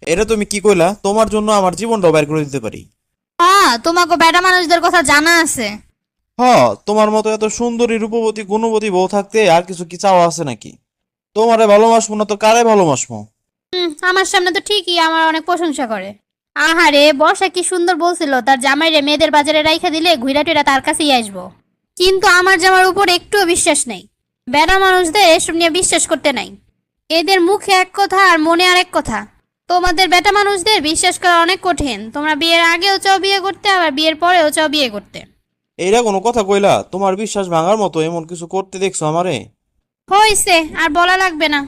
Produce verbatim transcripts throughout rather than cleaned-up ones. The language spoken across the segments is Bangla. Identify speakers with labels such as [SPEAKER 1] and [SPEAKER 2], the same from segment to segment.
[SPEAKER 1] এটা তুমি কি কইলা? তোমার জন্য আমার জীবনটাও বের করে দিতে পারি।
[SPEAKER 2] হ্যাঁ, তোমাকে বেটা মানুষদের কথা জানা আছে।
[SPEAKER 1] হ, তোমার মতো এত সুন্দরী রূপবতী গুণবতী বউ থাকতে আর কিছু কি চাওয়া আছে নাকি? তোমারে ভালোবাসবো না তো কারে ভালোবাসবো?
[SPEAKER 2] হুম, আমার সামনে তো ঠিকই আমার অনেক প্রশংসা করে। আহারে, বর্ষা কি সুন্দর বলছিল তার জামাইরে মেয়েদের বাজারে রাইখা দিলে ঘুরা টুরা তার কাছেই আসবো। কিন্তু আমার জামার উপর একটুও বিশ্বাস নেই। বেটা মানুষদের এসব নিয়ে বিশ্বাস করতে নাই। এদের মুখে এক কথা আর মনে আরেক কথা। তোমাদের বেটা মানুষদের বিশ্বাস করা অনেক কঠিন। তোমরা বিয়ের আগেও চাও বিয়ে করতে, আবার বিয়ের পরেও চাও বিয়ে করতে।
[SPEAKER 1] এইটা কোনো কথা কইলা? তোমার বিশ্বাস ভাঙার মতো এমন কিছু করতে দেখছো আমারে?
[SPEAKER 2] হইছে, আর বলা লাগবে না।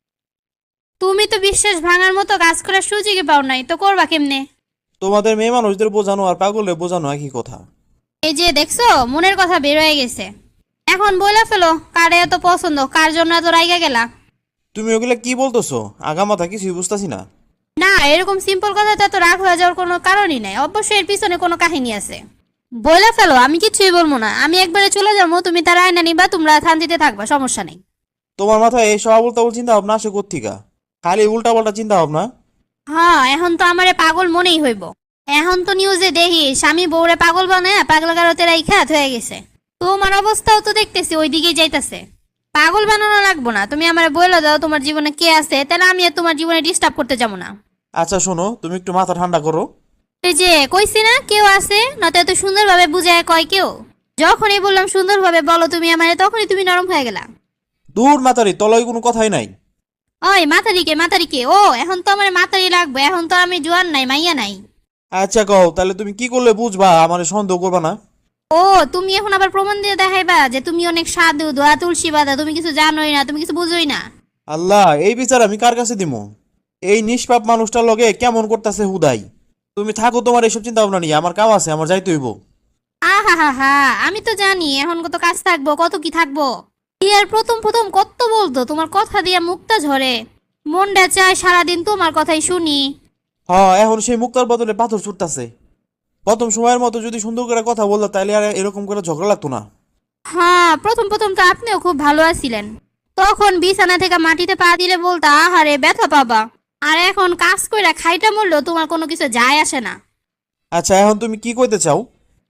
[SPEAKER 2] তুমি তো বিশ্বাস ভাঙার মতো কাজ করার সুযোগই পাও নাই, তো করবা কেমনে?
[SPEAKER 1] তোমাদের মেয়ে মানুষদের বোঝানো আর পাগলে বোঝানো একই কথা।
[SPEAKER 2] এই যে দেখছো, মনের কথা বের হয়ে গেছে। এখন বলে ফেলো, কারে এত পছন্দ, কার জন্য এত রাইগা গেলা?
[SPEAKER 1] তুমি ওগুলা কি বলতেছো? আগা মাথা কিছুই বুঝতাছি না।
[SPEAKER 2] না, এরকম সিম্পল কথাতে তো রাগ হয়ে যাওয়ার কোনো কারণই নাই। অবশ্যই এর পিছনে কোনো কাহিনী আছে। বলে ফেলো, আমি কিছুই বলবো না। আমি একবারে চলে যাবো, তুমি তার আয়না নিবা, তোমরা শান্তিতে থাকবা, সমস্যা নেই।
[SPEAKER 1] তোমার মাথায় এই সব উল্টা উল্টা চিন্তা ভাবনা আসে কোত্থিকা? খালি উল্টা পাল্টা চিন্তা ভাবনা।
[SPEAKER 2] হ্যাঁ, এখন তো আমারে পাগল মনেই হইব। এখন তো নিউজে দেখি স্বামী বউরে পাগল বানায় পাগল গারতে রাইখা হয়ে গেছে। তোমার অবস্থাও তো দেখতেছি ওই দিকেই যাইতাছে। পাগল বানানো লাগবো না, তুমি আমারে বলে দাও তোমার জীবনে কে আছে, তাহলে আমি আর তোমার জীবনে ডিস্টার্ব করতে যাবো না।
[SPEAKER 1] আচ্ছা শোনো, তুমি একটু মাথা ঠান্ডা করো।
[SPEAKER 2] এই যে কইছি না কেউ আছে, নয়তো এত সুন্দরভাবে বুঝায় কয় কেউ। যখনই বললাম সুন্দরভাবে বলো তুমি আমারে, তখনই তুমি নরম হয়ে গেলা।
[SPEAKER 1] দূর মাতারি, তলায় কোনো কথাই নাই।
[SPEAKER 2] ওই মাতারিকে মাতারিকে, ও এখন তো আমার মাতারি লাগবে, এখন তো আমি জোয়ান নাই, মাইয়া নাই।
[SPEAKER 1] আচ্ছা কও, তাহলে তুমি কি করলে বুঝবা আমার সন্দেহ করবা না?
[SPEAKER 2] ও, তুমি এখন আবার প্রমাণ দিয়ে দেখাইবা যে তুমি অনেক সাধু, দোয়া তুলসী বাদা, তুমি কিছু জানোই না, তুমি কিছু বুঝোই না।
[SPEAKER 1] আল্লাহ, এই বিচার আমি কার কাছে দিমু? এই নিষ্পাপ মানুষটার লগে কেমন করতেছে হুদাই। তুমি থাকো তোমার এইসব চিন্তা ভাবনা নিয়ে, আমার কাম আছে, আমার যাইতে হইব।
[SPEAKER 2] আহা হা হা, আমি তো জানি এখন কত কাজ থাকবো, কত কি থাকবো। বিয়ের প্রথম প্রথম কত বলতো, তোমার কথা দিয়ে মুক্তা ঝরে। মনটা চায় সারাদিন তোমার কথাই শুনি।
[SPEAKER 1] হ্যাঁ, এখন সেই মুক্তার বদলে পাথর ছুটতাছে। প্রথম সময়ের মতো যদি সুন্দর করে কথা বলতো তাহলে আর এরকম করে ঝগড়া লাগতো না।
[SPEAKER 2] হ্যাঁ, প্রথম প্রথম তো আপনিও খুব ভালো আছিলেন। তখন বিছানা থেকে মাটিতে পা দিলে বলতা আহারে ব্যথা পাবা। আর এখন কাজ কইরা খাইটা মরলেও তোমার কোনো কিছু যায় আসে না।
[SPEAKER 1] আচ্ছা, এখন তুমি কি কইতে চাও?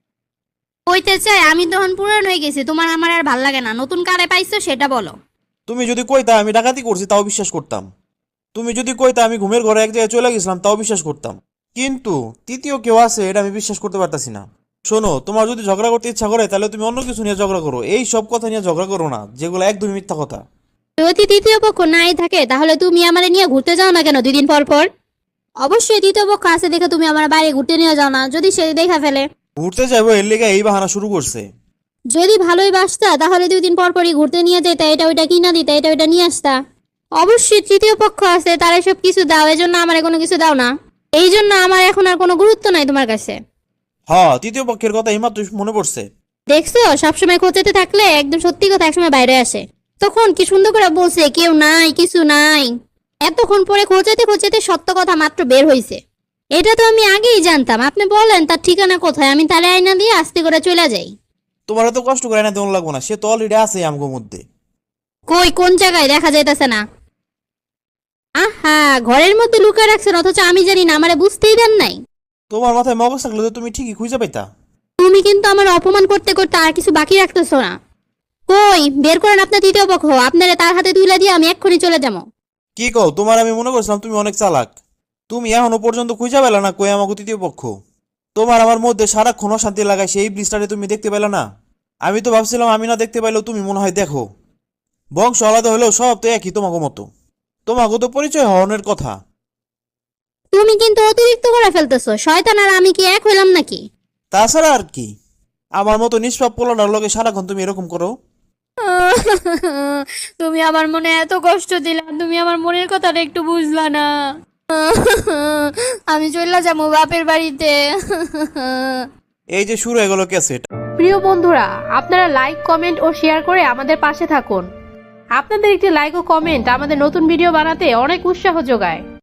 [SPEAKER 2] কইতে চাই আমি তখন পুরান হয়ে গেছি, তোমার আমার আর ভাল লাগে না। নতুন কারে পাইছো সেটা বলো।
[SPEAKER 1] তুমি যদি কইতা আমি ডাকাতি করছি তাও বিশ্বাস করতাম। তুমি যদি কইতা আমি ঘুমের ঘরে এক জায়গায় চলে গেছিলাম তাও বিশ্বাস করতাম। কিন্তু তৃতীয় কেউ আছে, এটা আমি বিশ্বাস করতে পারতাছি না। শোনো, তোমার যদি ঝগড়া করতে ইচ্ছা করে তাহলে তুমি অন্য কিছু নিয়ে ঝগড়া করো, এই সব কথা নিয়ে ঝগড়া করো না, যেগুলো একদমই মিথ্যা কথা।
[SPEAKER 2] যদি তৃতীয় পক্ষ নাই থাকে তাহলে তুমি আমারে নিয়ে ঘুরতে যাও না কেন দুই দিন পর পর? অবশ্যই তৃতীয় পক্ষ আছে দেখে তুমি আমার বাইরে ঘুরতে নিয়ে যাও না, যদি সে দেখা ফেলে।
[SPEAKER 1] ঘুরতে যাবো এর লেগে এই বাহানা শুরু করছে?
[SPEAKER 2] যদি ভালোই বাসতা তাহলে দুই দিন পর পরই ঘুরতে নিয়ে যেতা, এটা ওইটা কিনা দিতা, এটা ওইটা নিয়ে আসতা। অবশ্যই তৃতীয় পক্ষ আছে, তারা সব কিছু দাও, এজন্য আমার কোনো কিছু দাও না। এই জন্য আমার এখন আর কোনো গুরুত্ব নাই তোমার কাছে।
[SPEAKER 1] হ্যাঁ, তৃতীয় পক্ষের কথা এইমাত্র মনে পড়ছে।
[SPEAKER 2] দেখছো, সবসময় খোঁচাতে থাকলে একদম সত্যি কথা একসময় বাইরে আসে। তখন কি সুন্দর করে বলছে কেউ নাই, কিছু নাই। এতক্ষণ পরে খোঁচাতে খোঁচাতে সত্য কথা মাত্র বের হইছে। এটা তো আমি আগেই জানতাম। আপনি বলেন তার ঠিকানা কোথায়, আমি তালে আয়না দিয়ে আস্তে করে চলে যাই।
[SPEAKER 1] তোমার এত কষ্ট করে না তেমন লাগবো না, সে তো অলরেডি আছে আমগো মধ্যে।
[SPEAKER 2] কই, কোন জায়গায় দেখা যাইতেছে না? আহা, ঘরের মধ্যে লুকিয়ে রাখছেন অথচ আমি জানি না, আমারে বুঝতেই দেন নাই।
[SPEAKER 1] তোমার মাথায় মগজ থাকলে তো তুমি ঠিকই খুঁজে পাইতা।
[SPEAKER 2] তুমি কিন্তু আমার অপমান করতে করতে আর কিছু বাকি রাখতেছো না। কই, বের করেন আপনার তৃতীয় পক্ষ, আপনারা তার হাতে তুলে দিয়ে আমি এক্ষুনি চলে যাবো।
[SPEAKER 1] কি কও? তোমার আমি মনে করছিলাম তুমি অনেক চালাক। তুমি এখনো পর্যন্ত খুঁজে পেলে না কই আমাকে তৃতীয় পক্ষ। তোমার আমার মধ্যে সারাক্ষণ অশান্তি লাগায় সেই ব্রিজটারে তুমি দেখতে পেলে না? আমি তো ভাবছিলাম আমি না দেখতে পাইলেও তুমি মনে হয় দেখো। বংশ আলাদা হলেও সব তো একই তোমাকে মতো। তোমাকে তো পরিচয় হওয়ার কথা।
[SPEAKER 2] তুমি কিন্তু অতিরিক্ত করে ফেলতেছো। শয়তান আর আমি কি এক হইলাম নাকি?
[SPEAKER 1] তাছাড়া আর কি, আমার মতো নিষ্পাপ পোলাটার লগে সারাক্ষণ তুমি এরকম করো?
[SPEAKER 2] তুমি আমার মনে এত কষ্ট দিলা, তুমি আমার মনের কথাটা একটু বুঝলা না। আমি চলে যাবো বাপের বাড়িতে।
[SPEAKER 1] এই যে শুরু হয়ে গেল ক্যাসেট।
[SPEAKER 3] প্রিয় বন্ধুরা, আপনারা লাইক, কমেন্ট ও শেয়ার করে আমাদের পাশে থাকুন। আপনাদের একটি লাইক ও কমেন্ট আমাদের নতুন ভিডিও বানাতে অনেক উৎসাহ যোগায়।